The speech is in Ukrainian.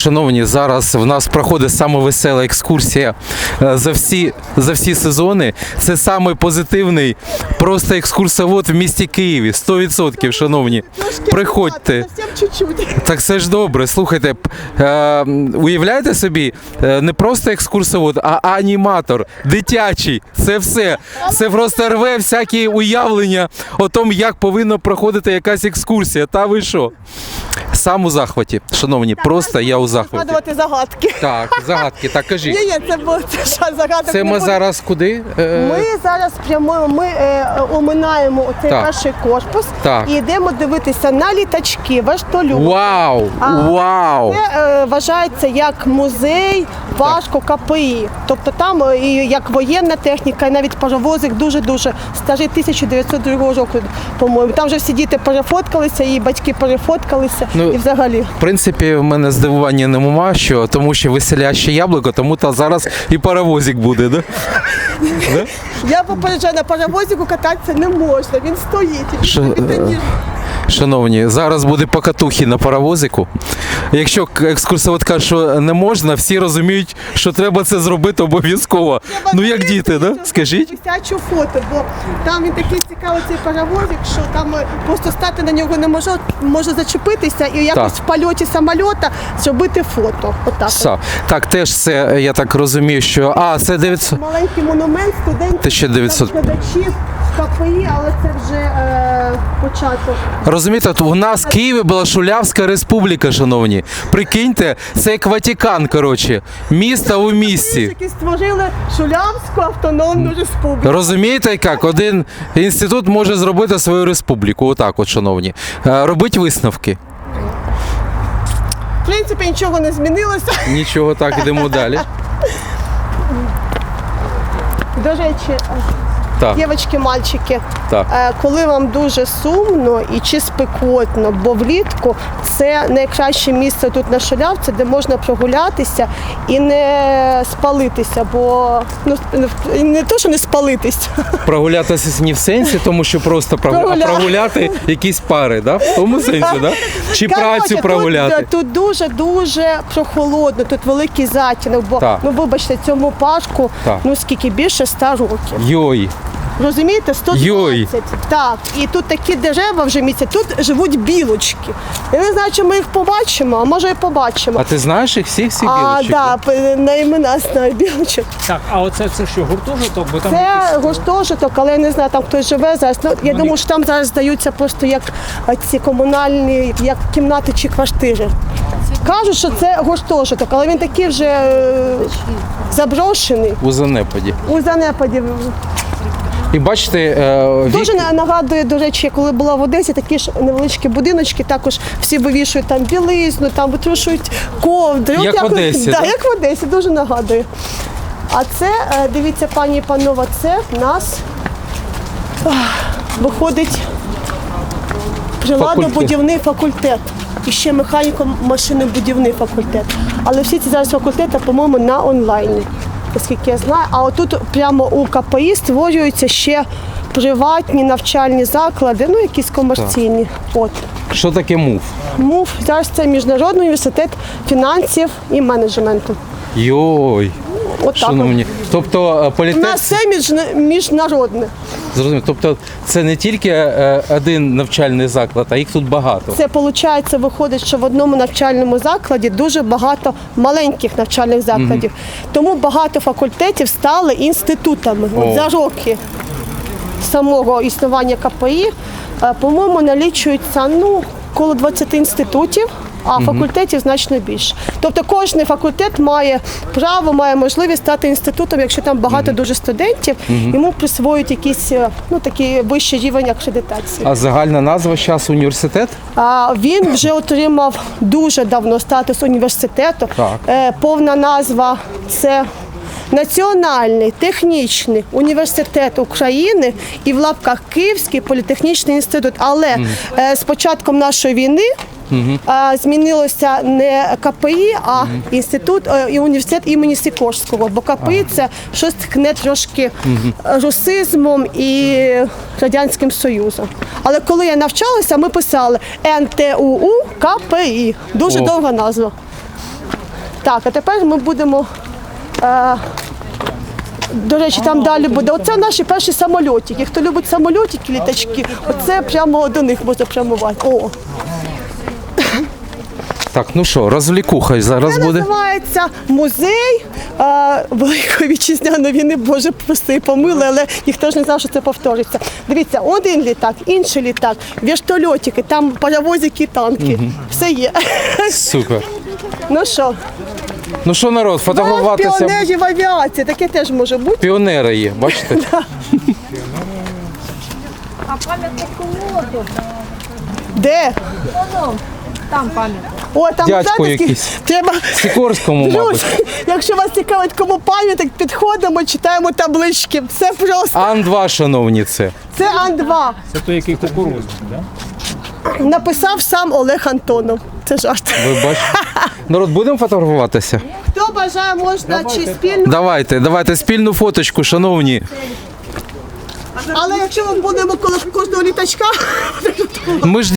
Шановні, зараз в нас проходить саме весела екскурсія за всі сезони. Це самий позитивний просто екскурсовод в місті Києві. 100%, шановні. Приходьте. Так це ж добре. Слухайте, уявляєте собі, не просто екскурсовод, а аніматор, дитячий. Це все. Це просто рве всякі уявлення о тому, як повинна проходити якась екскурсія. Та ви що? Сам у захваті. Шановні, просто я у захваті. Згадувати загадки. Так, загадки, так кажіть. Ні, це було загадок. Це ми зараз куди? Ми зараз прямуємо, ми оминаємо оцей перший корпус і йдемо дивитися на літачки, вертольоти. Вау! Вау! Це вважається як музей Пашко КПІ. Тобто там і як воєнна техніка, і навіть паровозик дуже-дуже старий, 1902 року, по-моєму. Там вже всі діти перефоткалися, і батьки перефоткалися, і взагалі. В принципі, в мене здивування нема, тому що веселяще яблуко, тому та зараз і паровозик буде, да? Я попереджаю, на паровозику кататися не можна, він стоїть. Шановні, зараз буде покатухи на паровозику. Якщо екскурсовод каже, що не можна, всі розуміють, що треба це зробити обов'язково. Ну як діти, да? Скажіть? Висячу фото, бо там він такий цікавий цей паровозик, що там просто стати на нього не може зачепитися і якось в польоті самольота зробити фото. Отак. Так, теж це, я так розумію, що... це 900... Маленький монумент студентів, глядачів КПІ, але це вже початок. Розумієте, у нас в Києві була Шулявська республіка, шановні. Прикиньте, це як Ватикан, коротше. Місто у місті. Які створили Шулявську автономну республіку. Розумієте, як? Один інститут може зробити свою республіку. Отак от, шановні. Робіть висновки. В принципі, нічого не змінилося. Нічого, так, йдемо далі. До речі, дівчатки, мальчики, коли вам дуже сумно і чи спекотно, бо влітку це найкраще місце тут на Шулявці, де можна прогулятися і не спалитися, бо не то, що не спалитись. Прогулятися не в сенсі, тому що просто прогуляти якісь пари, да? В тому сенсі, да? Чи працю прогуляти? Тут дуже-дуже прохолодно, тут великий затінок, бо, вибачте, цьому парку, скільки, більше 100 років. Йой! Розумієте, 120. Йой. Так, і тут такі дерева вже місяць, тут живуть білочки. Я не знаю, чи ми їх побачимо, а може і побачимо. А ти знаєш їх всіх білочок? Так, на імена знаю білочок. Так, а оце що, гуртожиток? Бо там це гуртожиток, але я не знаю, там хтось живе зараз. Я думаю, що там зараз здаються просто як ці комунальні, як кімнати чи квартири. Кажуть, що це гуртожиток, але він такий вже заброшений. У занепаді. У занепаді. І бачите, дуже нагадує, до речі, коли була в Одесі, такі ж невеличкі будиночки, також всі вивішують там білизну, там витрушують ковдри. Як в Одесі, так? Як в Одесі, дуже нагадує. А це, дивіться, пані і панове, це в нас виходить приладно-будівний факультет. І ще механіко-машинобудівний факультет. Але всі ці зараз факультети, по-моєму, на онлайні, оскільки я знаю. А отут прямо у КПІ створюються ще приватні навчальні заклади, якісь комерційні. Що таке МУФ? МУФ зараз це Міжнародний університет фінансів і менеджменту. Йой! Шановні. Тобто у нас все міжнародне. Зрозуміло. Тобто це не тільки один навчальний заклад, а їх тут багато. Це, виходить, що в одному навчальному закладі дуже багато маленьких навчальних закладів. Тому багато факультетів стали інститутами. За роки самого існування КПІ, по-моєму, налічується коло 20 інститутів, а факультетів значно більше. Тобто кожен факультет має право, має можливість стати інститутом, якщо там багато дуже студентів, йому присвоюють якийсь такий вищий рівень акредитації. А загальна назва зараз університет? Він вже отримав дуже давно статус університету. Повна назва – це Національний технічний університет України і в лапках Київський політехнічний інститут. Але з початком нашої війни змінилося не КПІ, а інститут і університет імені Сікорського, бо КПІ це щось ткне трошки русизмом і Радянським Союзом. Але коли я навчалася, ми писали НТУУ КПІ. Дуже довга назва. Так, а тепер ми будемо. До речі, там далі буде. Оце наші перші самольотики. Хто любить самольотики, літачки, оце прямо до них можна прямувати. О, Так, ну що, розвлікуха зараз це буде. називається музей Великої Вітчизняної війни. Боже, прости, помили, але ніхто ж не знав, що це повториться. Дивіться, один літак, інший літак, вертольотики, там паровозики, танки. Все є. Супер. Ну що, Ну що, народ, фотографуватися. піонерів авіації, таке теж може бути. Піонери є, бачите? А пам'ятник кому тут? Де? Там пам'ятник. О, там Дядько знаєте, якийсь. треба. Сікорському, мабуть. Друзі, якщо вас цікавить, кому пам'ятник, підходимо, читаємо таблички. Все просто. Ан-2, шановні, це. Це Ан-2. Це той, який кукурузний, да? Написав сам Олег Антонов. Це жарт. Ви бачите? Народ, будемо фотографуватися? Хто бажає, можна чи спільно. Давайте спільну фоточку, шановні. Але якщо ми будемо коло кожного літачка, Ми ж